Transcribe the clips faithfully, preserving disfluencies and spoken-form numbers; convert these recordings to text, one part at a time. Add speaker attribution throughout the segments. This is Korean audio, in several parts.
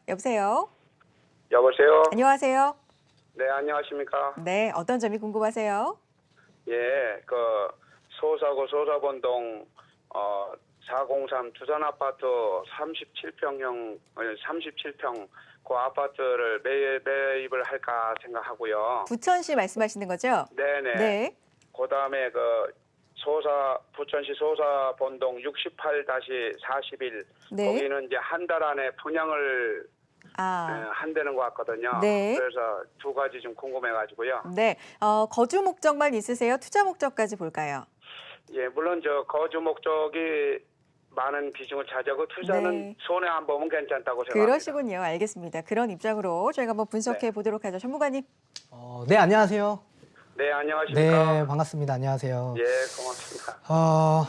Speaker 1: 여보세요?
Speaker 2: 여보세요?
Speaker 1: 안녕하세요?
Speaker 2: 네, 안녕하십니까?
Speaker 1: 네, 어떤 점이 궁금하세요?
Speaker 2: 예, 그 소사구 소사본동 어 사공삼 두산아파트 삼십칠 평형 삼십칠 평 그 아파트를 매, 매입을 할까 생각하고요.
Speaker 1: 부천시 말씀하시는 거죠?
Speaker 2: 네네.
Speaker 1: 네.
Speaker 2: 그다음에 그 소사 부천시 소사본동 육십팔 사십일
Speaker 1: 네.
Speaker 2: 거기는 이제 한 달 안에 분양을
Speaker 1: 아,
Speaker 2: 예, 한다는 것 같거든요.
Speaker 1: 네.
Speaker 2: 그래서 두 가지 좀 궁금해가지고요.
Speaker 1: 네. 어, 거주 목적만 있으세요? 투자 목적까지 볼까요?
Speaker 2: 예, 물론 저 거주 목적이 많은 비중을 차지하고 투자는
Speaker 1: 네.
Speaker 2: 손해 안 보면 괜찮다고 생각합니다.
Speaker 1: 그러시군요. 알겠습니다. 그런 입장으로 저희가 한번 분석해
Speaker 2: 네.
Speaker 1: 보도록 하죠. 전무관님.
Speaker 3: 어, 네, 안녕하세요.
Speaker 2: 네, 안녕하십니까?
Speaker 3: 네, 반갑습니다. 안녕하세요.
Speaker 2: 예, 고맙습니다.
Speaker 3: 어,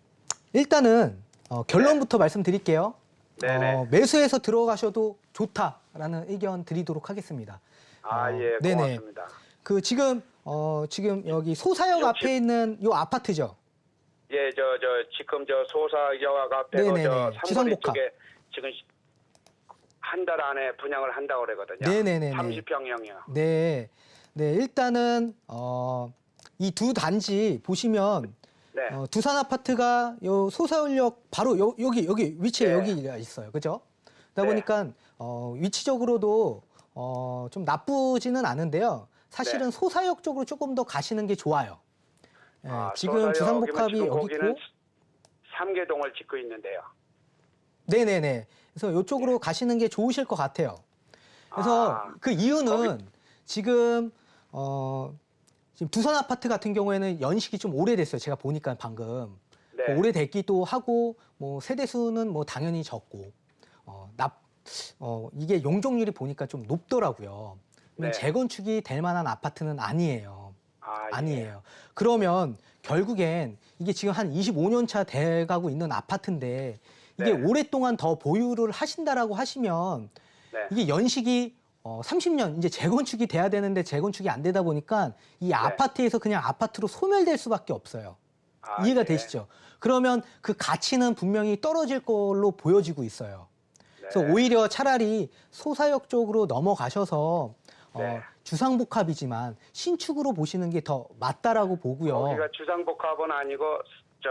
Speaker 3: 일단은 어, 결론부터 말씀드릴게요.
Speaker 2: 네네.
Speaker 3: 어, 매수해서 들어가셔도 좋다라는 의견 드리도록 하겠습니다.
Speaker 2: 아,
Speaker 3: 어,
Speaker 2: 예,
Speaker 3: 네네.
Speaker 2: 고맙습니다.
Speaker 3: 그 지금 어, 지금 여기 소사역
Speaker 2: 혹시-
Speaker 3: 앞에 있는 요 아파트죠.
Speaker 2: 예, 저, 저, 지금 저 소사역 앞에
Speaker 3: 네네네.
Speaker 2: 저 삼거리
Speaker 3: 지성복합.
Speaker 2: 쪽에 지금 한 달 안에 분양을 한다고 그러거든요.
Speaker 3: 네네네네.
Speaker 2: 삼십 평형이요.
Speaker 3: 네, 네, 일단은 어, 이 두 단지 보시면
Speaker 2: 네.
Speaker 3: 어, 두산 아파트가 요 소사울역 바로 요, 여기 여기 위치에
Speaker 2: 네.
Speaker 3: 여기가 있어요, 그죠? 그러다
Speaker 2: 네.
Speaker 3: 보니까 어, 위치적으로도 어, 좀 나쁘지는 않은데요. 사실은
Speaker 2: 네.
Speaker 3: 소사역 쪽으로 조금 더 가시는 게 좋아요. 예,
Speaker 2: 아,
Speaker 3: 지금
Speaker 2: 소사역이면
Speaker 3: 주상복합이
Speaker 2: 지금
Speaker 3: 여기
Speaker 2: 거기는
Speaker 3: 있고,
Speaker 2: 삼계동을 짓고 있는데요.
Speaker 3: 네네네. 그래서 이쪽으로 가시는 게 좋으실 것 같아요. 그래서
Speaker 2: 아,
Speaker 3: 그 이유는 지금 어, 지금 두산 아파트 같은 경우에는 연식이 좀 오래됐어요. 제가 보니까 방금.
Speaker 2: 네.
Speaker 3: 오래됐기도 하고 뭐 세대 수는 뭐 당연히 적고 어, 납, 어, 이게 용적률이 보니까 좀 높더라고요. 그러면
Speaker 2: 네.
Speaker 3: 재건축이 될 만한 아파트는 아니에요.
Speaker 2: 아, 예.
Speaker 3: 아니에요. 그러면 결국엔 이게 지금 한 이십오 년 차 돼가고 있는 아파트인데 이게
Speaker 2: 네.
Speaker 3: 오랫동안 더 보유를 하신다라고 하시면
Speaker 2: 네.
Speaker 3: 이게 연식이 어, 삼십 년 이제 재건축이 돼야 되는데 재건축이 안 되다 보니까 이 아파트에서 그냥 아파트로 소멸될 수밖에 없어요.
Speaker 2: 아,
Speaker 3: 이해가
Speaker 2: 예.
Speaker 3: 되시죠? 그러면 그 가치는 분명히 떨어질 걸로 보여지고 있어요. 그래서
Speaker 2: 네.
Speaker 3: 오히려 차라리 소사역 쪽으로 넘어가셔서
Speaker 2: 네.
Speaker 3: 어, 주상복합이지만 신축으로 보시는 게 더 맞다라고 보고요.
Speaker 2: 거기가 주상복합은 아니고 저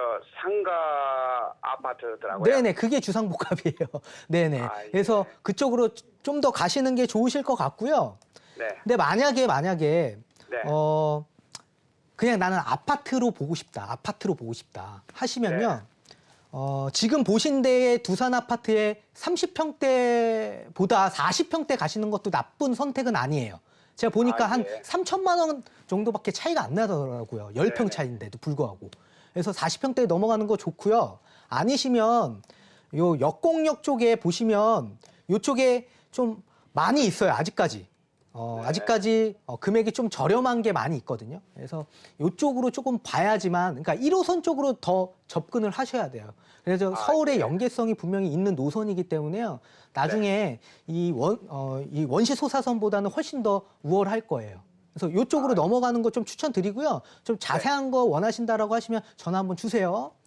Speaker 2: 상가 아파트더라고요.
Speaker 3: 네네, 그게 주상복합이에요. 네네.
Speaker 2: 아, 예.
Speaker 3: 그래서 그쪽으로 좀 더 가시는 게 좋으실 것 같고요.
Speaker 2: 네.
Speaker 3: 근데 만약에 만약에
Speaker 2: 네.
Speaker 3: 어 그냥 나는 아파트로 보고 싶다. 아파트로 보고 싶다. 하시면요.
Speaker 2: 네.
Speaker 3: 어 지금 보신 데의 두산 아파트의 삼십 평대보다 사십 평대 가시는 것도 나쁜 선택은 아니에요. 제가 보니까
Speaker 2: 아,
Speaker 3: 한
Speaker 2: 예.
Speaker 3: 삼천만 원 정도밖에 차이가 안 나더라고요. 십 평
Speaker 2: 네네.
Speaker 3: 차이인데도 불구하고. 그래서 사십 평대 넘어가는 거 좋고요. 아니시면 요 역공역 쪽에 보시면 요쪽에 좀 많이 있어요. 아직까지. 어,
Speaker 2: 네.
Speaker 3: 아직까지 어, 금액이 좀 저렴한 게 많이 있거든요. 그래서 이쪽으로 조금 봐야지만, 그러니까 일 호선 쪽으로 더 접근을 하셔야 돼요. 그래서
Speaker 2: 아,
Speaker 3: 서울의
Speaker 2: 예.
Speaker 3: 연계성이 분명히 있는 노선이기 때문에요. 나중에 이 원, 어, 이 원시 소사선보다는 훨씬 더 우월할 거예요. 그래서 이쪽으로
Speaker 2: 아,
Speaker 3: 넘어가는 거 좀 추천드리고요. 좀 자세한 거 원하신다라고 하시면 전화 한번 주세요.